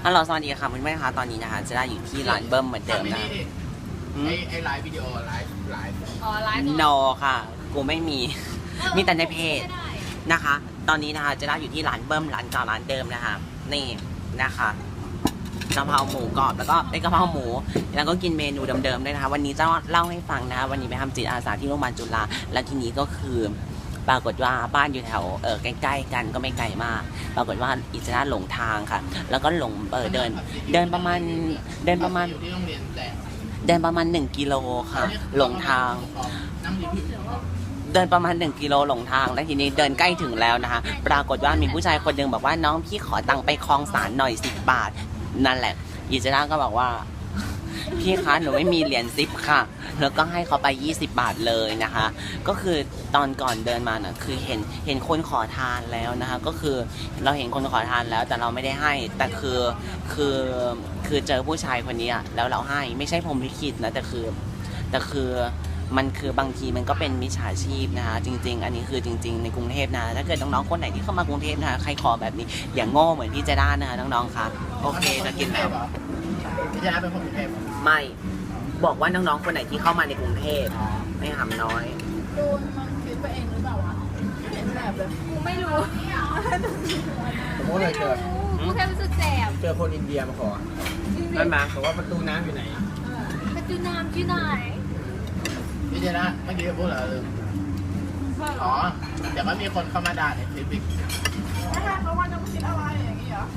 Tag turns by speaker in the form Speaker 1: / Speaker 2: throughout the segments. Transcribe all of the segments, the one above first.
Speaker 1: ฮัลโหลสวัสดีค่ะเพื่อนๆคะตอนนี้นะคะจะได้อยู่ที่ร้านเบิ้มเหมือนเดิมนะ
Speaker 2: ไอ้ไลฟ์วิดีโอไลฟ์
Speaker 3: อ๋อไลฟ์
Speaker 1: โนค่ะกูไม่มีมีแต่ในเพจนะคะ ตอนนี้นะคะจะได้อยู่ที่ร้านเบิ้มร้านเก่าร้านเดิมนะคะนี่นะคะกะเพราหมูกรอบแล้วก็ไอ้กะเพราหมูแล้วก็กินเมนูเดิมๆด้วยนะคะวันนี้จะเล่าให้ฟังนะคะวันนี้ไปทำจิตอาสาที่โรงพยาบาลจุฬาแล้วทีนี้ก็คือปรากฏว่าบ้านอยู่แถวใกล้ๆกันก็ไม่ไกลมากปรากฏว่าอิจนาหลงทางค่ะแล้วก็หลงเดินประมาณ
Speaker 2: อยู่ที่โรงเรียนแต่
Speaker 1: เดินประมาณ1 กิโลค่ะหลงทางเดินประมาณ1 กิโลหลงทางแล้วทีนี้เดินใกล้ถึงแล้วนะคะปรากฏว่ามีผู้ชายคนหนึ่งบอกว่าน้องพี่ขอตังค์ไปคลองสารหน่อย10 บาทนั่นแหละอิจนาก็บอกว่าพี่คะหนูไม่มีเหรียญ10ค่ะแล้วก็ให้เขาไป20 บาทเลยนะคะก็คือตอนก่อนเดินมาน่ะคือเห็นคนขอทานแล้วนะคะก็คือเราเห็นคนขอทานแล้วแต่เราไม่ได้ให้แต่คือเจอผู้ชายคนนี้แล้วเราให้ไม่ใช่ผมลิขิตนะแต่คือมันคือบางทีมันก็เป็นมิจฉาชีพนะคะจริงๆอันนี้คือจริงๆในกรุงเทพนะถ้าเกิดน้องๆคนไหนที่เข้ามากรุงเทพนะคะใครขอแบบนี้อย่างโง่เหมือนพี่เจด้านะคะน้องๆคะโอเคจะกินแล้ว
Speaker 2: พี่จะเป็นคนกรุงเทพ
Speaker 1: ไม่บอกว่าน้องๆคนไหนที่เข้ามาในกรุงเทพไม่หำน้อย
Speaker 3: ดูมันคิดไปเองหรือเปล่าวะเห็นแบบเลยกูไม่รู้
Speaker 2: ผมก็เลย
Speaker 3: กูแค่รู้สึกแสบ
Speaker 2: เจอคนอินเดียมาขอ
Speaker 1: นั่นไหม
Speaker 2: บอกว่าประตูน้ำอยู่ไหน
Speaker 3: ประตูน้ำที่ไหน
Speaker 2: พี่เจนะเมื่อกี้พูดเหรออ๋อเดี๋ยวก็มีคนเข้ามาด่าในคลิปอีก
Speaker 3: ไม่ใช่เพราะว่าจะคิดอะไรอย่างนี้เหรอ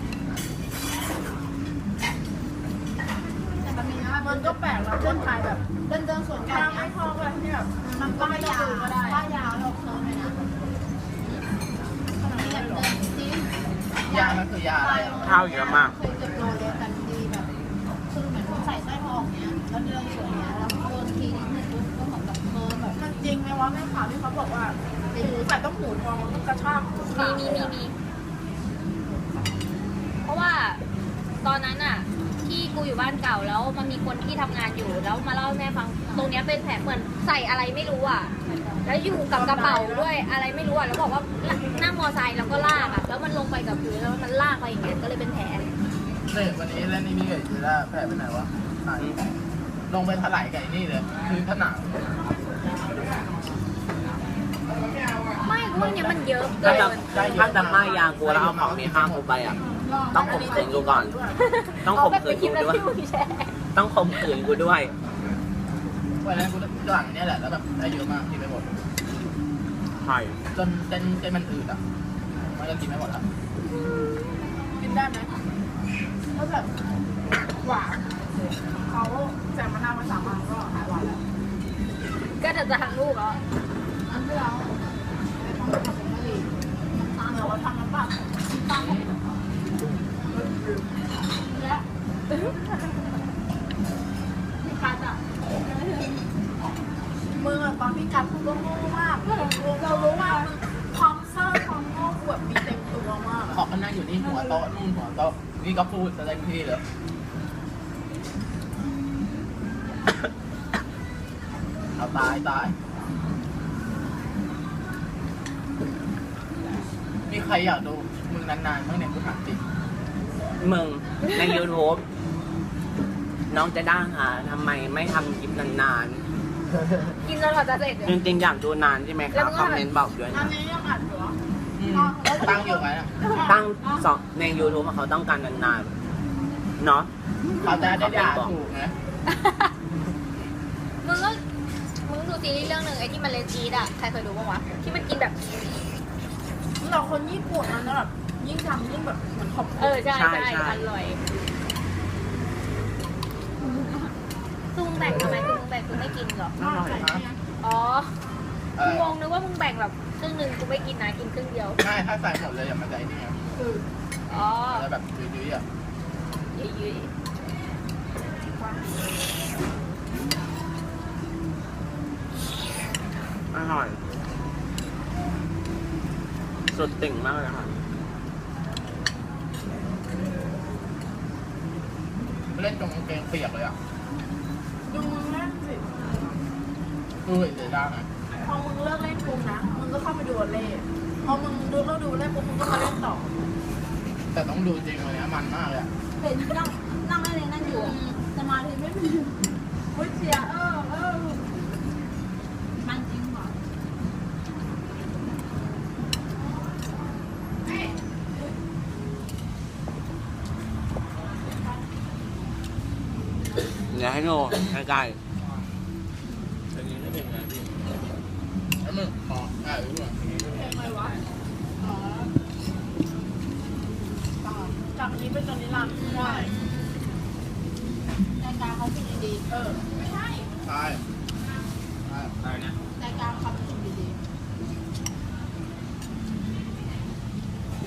Speaker 3: มันก็แปลกนะคนไทยแบบเดินสวนกันไม่พอกันที่แบบมันก็ไม่ยาวก็ได้ว่ายาวเราเคิร์ฟเลยนะ
Speaker 2: ยามันคือยาอะไร
Speaker 1: ข้าวเยอะมาก
Speaker 3: เคยจะโดนเลยกันดีแบบคือเหมือนใส่สร้อยทองเนี้ยแล้วเดินสวนเนี้ยแล้วโดนทีนึงก็เหมือนแบบเคิร์ฟแบบมันจริงไหมวะแม่ข่าวที่เขาบอกว่าหูใส่ต้องหูทองมันกระชากมีเพราะว่าตอนนั้นอะที่กูอยู่บ้านเก่าแล้วมันมีคนที่ทำงานอยู่แล้วมาเล่าให้แม่ฟังตรงนี้เป็นแผลเหมือนใส่อะไรไม่รู้อ่ะแล้วอยู่กับกระเป๋าด้วยอะไรไม่รู้อ่ะแล้วบอกว่านั่งมอไซค์แล้วก็ลากอ่ะแล้วมันลงไปกับพื้นแล้วมันลากไปอย่างเงี้ยก็เลยเป็นแผล
Speaker 2: เนี่ยวันนี้แล้วนี่มีเกิดจะได้แผลไปไหนวะลงไปถลายไก่นี่เลยคือผนัง
Speaker 3: ไม่พวกนี้มันเยอะเกิน
Speaker 1: ถ้าจะไม่ยางกูแล้วเอาของมีค่ากูไปอ่ะต้องข่มขืนกูก่อนต้องข่มขืนกูด้วยต้องข่มขืนกูด้วย
Speaker 2: วันนั้นกูหลังเนี่ยแหละแล้วแบบได้เยอะมากกินไปหมด
Speaker 1: ใช่
Speaker 2: จนมันอืดอ่ะมันก็กินไม่หมดแล้ว
Speaker 3: กินได้ไหมก็แบบหวานเขาแจกมะนาวมา3 วันก็หายหวานแล้วก็จะทางลูกเหรออันที่เราเราทำน้ำปลาตั้งและพี่กัดอ่ะมึงอ่ะตอนพี่กัดพูดก็โง่มากเรารู้ว่าความเศร้าความโง่แบบมีเต็มตัวมาก
Speaker 2: ขอบมันนั่งอยู่นี่หัวโต๊ะนู่นหัวโต๊ะนี่ก็พูดอะไรพี่เลยเอาตายมีใครอยากดูมึงนานๆบ้างเนี่ยกูถามจริง
Speaker 1: มึงใน YouTube น้องจะด่าหาทำไมไม่ทำคลิปนาน
Speaker 3: ๆกินจนกว่าจะเสร็จ
Speaker 1: จริงๆอยากดูนานใช่ไหมครับคอมเมนต์บอกด้วยนะ
Speaker 3: อันนี้ยังอัดอยู่
Speaker 2: ตั้งอยู่ไหม
Speaker 1: ตั้งใน YouTube เขาต้องการนานๆเนาะ
Speaker 2: เขาจะได้ด่าถูกนะ
Speaker 3: มึงดูซีรีส์เรื่องหนึ่งไอ้ที่มันเลนจีดอ่ะใครเคยดูบ้างวะที่มันกินแบบเราคนญี่ปุ่นมันแบบยิ่งทำยิ่งแบบเหมือนขอบใช่อร่อยคือมึงแบ่งทำไมคือมึงแบ่งคือไม่กินหรออ๋องงนึกว่ามึงแบ่งแบบครึ่งหนึ่งกูไม่กินนะกินครึ่งเดียว
Speaker 2: ไม่ถ้าใส่หมดเลยอย่ามาใจนี่
Speaker 3: อ๋อ
Speaker 2: แล้วแบบยืดๆอ่ะ
Speaker 3: ยืด
Speaker 1: อร่อยสุดติ่งมากเลยค่ะ
Speaker 2: เล่นตรงกางเกงเปียกเลยอ่ะ
Speaker 3: ดูมึงเล่นสิ
Speaker 2: เดี๋ยวได้ไหม
Speaker 3: พอมึงเลิกเล่นปุ๊บนะมึงก็เข้าไปดูเล่พอมึงดูเล่นปุ๊บมึงก็มาเล่นต่อ
Speaker 2: แต่ต้องดูจริงวันนี้มันมากเลยอะ
Speaker 4: เป็นนั่งได้เลยนั่งอยู่สมาธิไม่มีโอ้ยเชียร์มันจริงเหรอ
Speaker 1: เดี๋ยวให้ดูใกล้
Speaker 2: อันนี้ไม่เป็นไงพี่แล้วมึงขอได้หรือเปล่า
Speaker 4: ทำไมวะอ๋อจากนี้เป็นตอนนี้รันใช่รายการเขาพูดดีๆไม่ใช่
Speaker 2: ใช่ใช่นะ
Speaker 4: รายการเขาพูด